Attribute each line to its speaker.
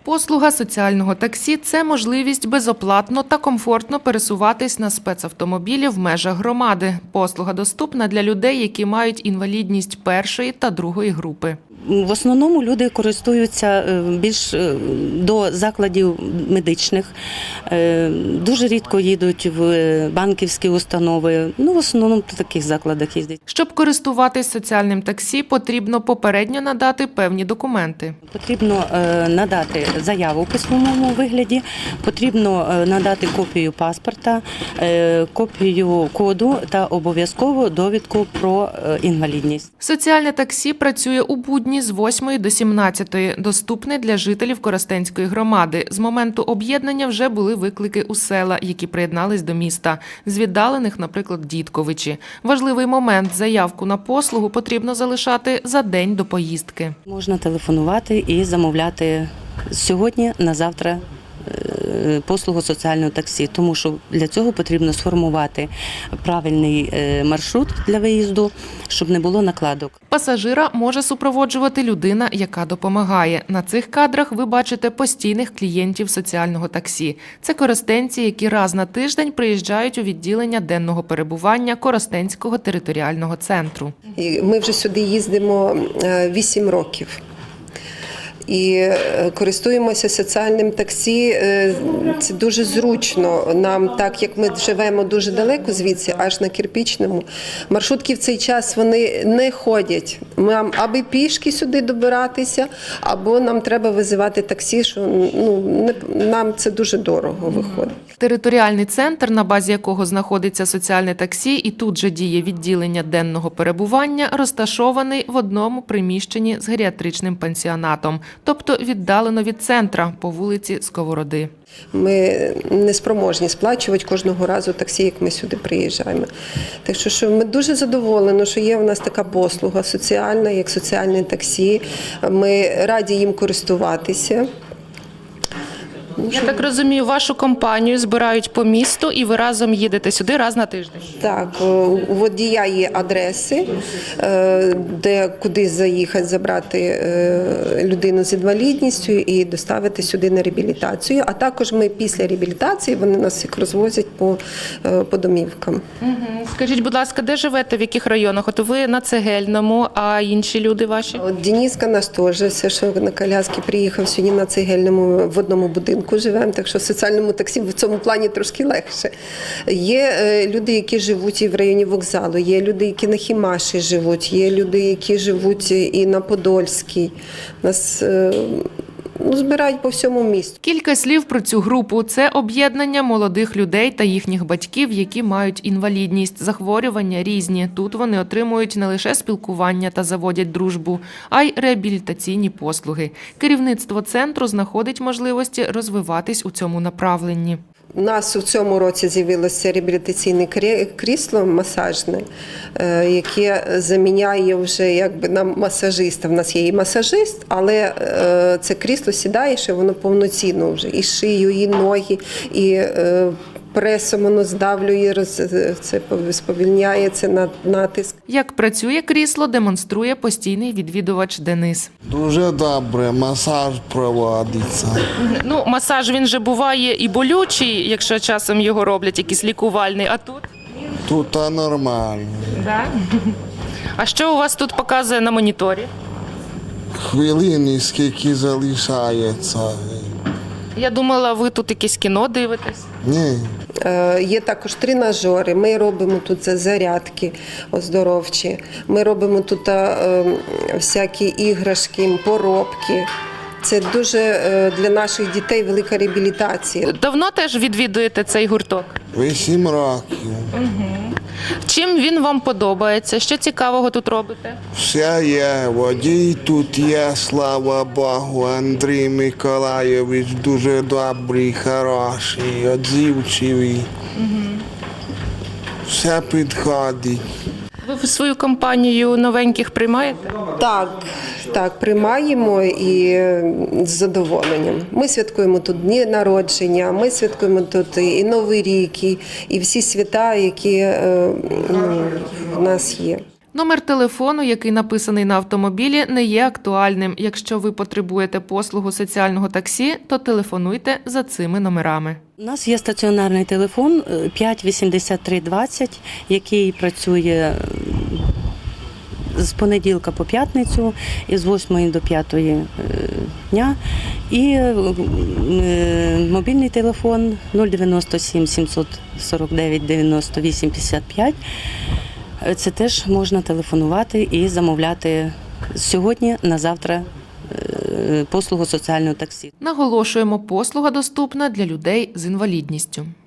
Speaker 1: Послуга соціального таксі – це можливість безоплатно та комфортно пересуватись на спецавтомобілі в межах громади. Послуга доступна для людей, які мають інвалідність першої та другої групи.
Speaker 2: В основному люди користуються більш до закладів медичних, дуже рідко їдуть в банківські установи, в основному в таких закладах їздять.
Speaker 1: Щоб користуватись соціальним таксі, потрібно попередньо надати певні документи.
Speaker 2: Потрібно надати заяву в письмовому вигляді, потрібно надати копію паспорта, копію коду та обов'язково довідку про інвалідність.
Speaker 1: Соціальне таксі працює у будні з 8 до 17, доступне для жителів Коростенської громади. З моменту об'єднання вже були виклики у села, які приєднались до міста. З віддалених, наприклад, Дідковичі. Важливий момент – заявку на послугу потрібно залишати за день до поїздки.
Speaker 2: Можна телефонувати і замовляти сьогодні на завтра послугу соціального таксі, тому що для цього потрібно сформувати правильний маршрут для виїзду, щоб не було накладок.
Speaker 1: Пасажира може супроводжувати людина, яка допомагає. На цих кадрах ви бачите постійних клієнтів соціального таксі. Це коростенці, які раз на тиждень приїжджають у відділення денного перебування Коростенського територіального центру.
Speaker 3: Ми вже сюди їздимо 8 років. І користуємося соціальним таксі, це дуже зручно нам, так як ми живемо дуже далеко звідси, аж на Кирпічному. Маршрутки в цей час вони не ходять. Нам аби пішки сюди добиратися, або нам треба визивати таксі, що нам це дуже дорого виходить.
Speaker 1: Територіальний центр, на базі якого знаходиться соціальне таксі і тут же діє відділення денного перебування, розташований в одному приміщенні з геріатричним пансіонатом, тобто віддалено від центра по вулиці Сковороди.
Speaker 3: Ми не спроможні сплачувати кожного разу таксі, як ми сюди приїжджаємо. Так що ми дуже задоволені, що є у нас така послуга соціальна, як соціальне таксі. Ми раді їм користуватися.
Speaker 1: Я так розумію, вашу компанію збирають по місту і ви разом їдете сюди раз на тиждень?
Speaker 3: Так, у водія є адреси, куди заїхати, забрати людину з інвалідністю і доставити сюди на реабілітацію. А також ми після реабілітації, вони нас всіх розвозять по домівкам.
Speaker 1: Скажіть, будь ласка, де живете, в яких районах? От ви на Цегельному, а інші люди ваші?
Speaker 3: От Дениска наш теж, все, що на коляски приїхав сьогодні на Цегельному, в одному будинку живемо, так що в соціальному таксі в цьому плані трошки легше. Є люди, які живуть і в районі вокзалу, є люди, які на Хімаші живуть, є люди, які живуть і на Подольській. Нас збирають по всьому місту.
Speaker 1: Кілька слів про цю групу. Це об'єднання молодих людей та їхніх батьків, які мають інвалідність, захворювання різні. Тут вони отримують не лише спілкування та заводять дружбу, а й реабілітаційні послуги. Керівництво центру знаходить можливості розвиватись у цьому направленні.
Speaker 3: У нас у цьому році з'явилося реабілітаційне крісло масажне, яке заміняє вже нам масажиста. У нас є і масажист, але це крісло сідає, що воно повноцінно вже. І шию, і ноги, і пресом воно здавлює, це сповільняє, це натиск.
Speaker 1: Як працює крісло, демонструє постійний відвідувач Денис.
Speaker 4: Дуже добре, масаж проводиться.
Speaker 1: Масаж, він же буває і болючий, якщо часом його роблять, якийсь лікувальний, а тут?
Speaker 4: Тут нормально.
Speaker 1: Да? А що у вас тут показує на моніторі?
Speaker 4: Хвилини, скільки залишається.
Speaker 1: Я думала, ви тут якесь кіно дивитесь.
Speaker 4: Ні.
Speaker 3: Є також тренажери, ми робимо тут зарядки оздоровчі, ми робимо тут всякі іграшки, поробки. Це дуже для наших дітей велика реабілітація.
Speaker 1: Давно теж відвідуєте цей гурток?
Speaker 4: 8 років.
Speaker 1: Чим він вам подобається? Що цікавого тут робите?
Speaker 4: Все є, водій тут є, слава Богу, Андрій Миколайович дуже добрий, хороший, відзивчивий. Все підходить.
Speaker 1: Ви в свою компанію новеньких приймаєте?
Speaker 3: Так, приймаємо і з задоволенням. Ми святкуємо тут дні народження, ми святкуємо тут і Новий рік, і всі свята, які в нас є.
Speaker 1: Номер телефону, який написаний на автомобілі, не є актуальним. Якщо ви потребуєте послугу соціального таксі, то телефонуйте за цими номерами.
Speaker 2: У нас є стаціонарний телефон 58320, який працює з понеділка по п'ятницю із 8 до 5 дня. І мобільний телефон 097 749 98 55. Це теж можна телефонувати і замовляти сьогодні на завтра послугу соціального таксі.
Speaker 1: Наголошуємо, послуга доступна для людей з інвалідністю.